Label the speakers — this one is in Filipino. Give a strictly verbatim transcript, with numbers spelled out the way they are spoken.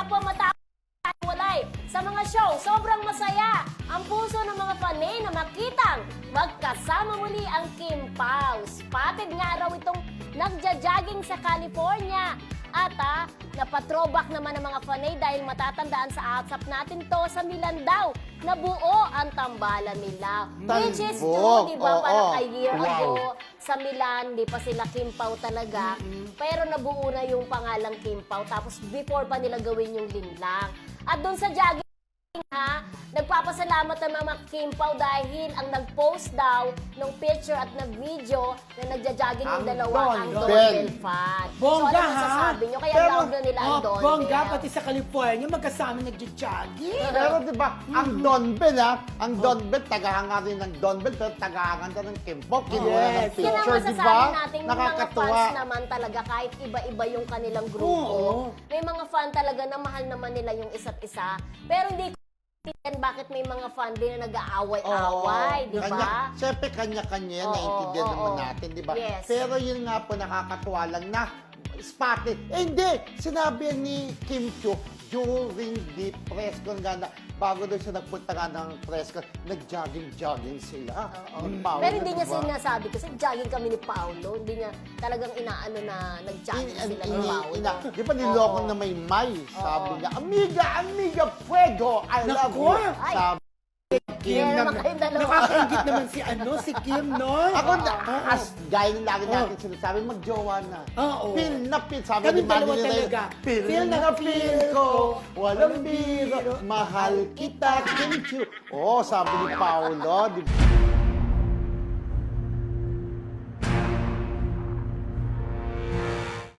Speaker 1: po matapos walay sa mga show, sobrang masaya ang puso ng mga panay na makitang magkasama muli ang Kim Pao. Spotted nga raw itong nagja-jogging sa California. At ah, napatrobak naman ng mga fanay dahil matatandaan sa WhatsApp natin to sa Milan daw na buo ang tambalan nila. Which is true, di ba?
Speaker 2: Oo.
Speaker 1: Parang a year
Speaker 2: Wow.
Speaker 1: ago sa Milan, di pa sila Kim Pao talaga. Pero nabuo na yung pangalang Kim Pao. Tapos before pa nila gawin yung linlang. At doon sa jogging, ha, nagpapasalamat ang mga Kim Pao dahil ang nag-post daw ng picture at ng video na nagja-jogging yung
Speaker 2: Ang
Speaker 1: dalawa ang
Speaker 2: Don
Speaker 1: Don
Speaker 2: Bell.
Speaker 1: fan.
Speaker 3: Bongga,
Speaker 1: so, ano
Speaker 3: ha?
Speaker 1: masasabi nyo? Kaya
Speaker 2: Pero-
Speaker 1: love na nila ang
Speaker 3: Oh,
Speaker 1: Don
Speaker 3: bongga,
Speaker 1: Bell.
Speaker 3: pati sa California, magkasama nagja-jogging.
Speaker 2: Pero di ba, ang Don Bell ha, ang Don Bell, tagahanga rin ng Don Bell, pero tagahanga ka ng Kim Pao, kinuha
Speaker 3: Yes.
Speaker 2: ng
Speaker 1: Yan ang
Speaker 2: picture, di
Speaker 1: masasabi
Speaker 2: ba?
Speaker 1: natin, yung mga
Speaker 2: Nakakatuwa.
Speaker 1: fans naman talaga, kahit iba-iba yung kanilang grupo,
Speaker 3: Oo.
Speaker 1: may mga fan talaga na mahal naman nila yung isa't isa. Pero hindi ko maintindihan bakit may mga fan din na nag-aaway-away, di
Speaker 2: Kanya,
Speaker 1: ba?
Speaker 2: siyempre, kanya-kanya yan,
Speaker 1: Oo,
Speaker 2: naiintindihan
Speaker 1: oo,
Speaker 2: naman
Speaker 1: oo.
Speaker 2: natin, di ba?
Speaker 1: Yes.
Speaker 2: Pero yun nga po, nakakatuwa lang na spotted. Eh, hindi! Sinabi yan ni Kim Chiu during the press con nga na bago daw siya nagpunta nga ng press con, nag-jogging-jogging sila.
Speaker 1: Oo.
Speaker 2: Yung Paolo,
Speaker 1: Pero hindi niya
Speaker 2: di ba?
Speaker 1: sinasabi kasi jogging kami ni Paolo. Hindi niya talagang inaano na nag-jogging
Speaker 2: In-
Speaker 1: sila
Speaker 2: in-
Speaker 1: ni
Speaker 2: in-
Speaker 1: Paolo.
Speaker 2: ina- Di ba niloko
Speaker 1: Oo.
Speaker 2: na may may? Sabi
Speaker 1: Oo.
Speaker 2: niya, amiga, amiga, fuego, I love
Speaker 3: Naku!
Speaker 2: you.
Speaker 1: Ay.
Speaker 2: Sabi Kim
Speaker 1: Kaya
Speaker 2: na,
Speaker 1: naman kayong dalawa.
Speaker 3: Nakakaingit naman si ano, si Kim, no?
Speaker 2: ako na,
Speaker 3: Oo.
Speaker 2: as gaya ng lagi natin
Speaker 3: Oo.
Speaker 2: sinasabi, magjowa na.
Speaker 3: Oo.
Speaker 2: Feel na feel. Sabi
Speaker 3: Kami
Speaker 2: ni Manny
Speaker 3: dalawa
Speaker 2: Reyes,
Speaker 3: talaga.
Speaker 2: Feel,
Speaker 3: Feel
Speaker 2: na
Speaker 3: na
Speaker 2: feel
Speaker 3: feel
Speaker 2: ko,
Speaker 3: ko,
Speaker 2: walang biro, mahal kita, Kim Chiu. Oo, sabi ni Paolo, di ba?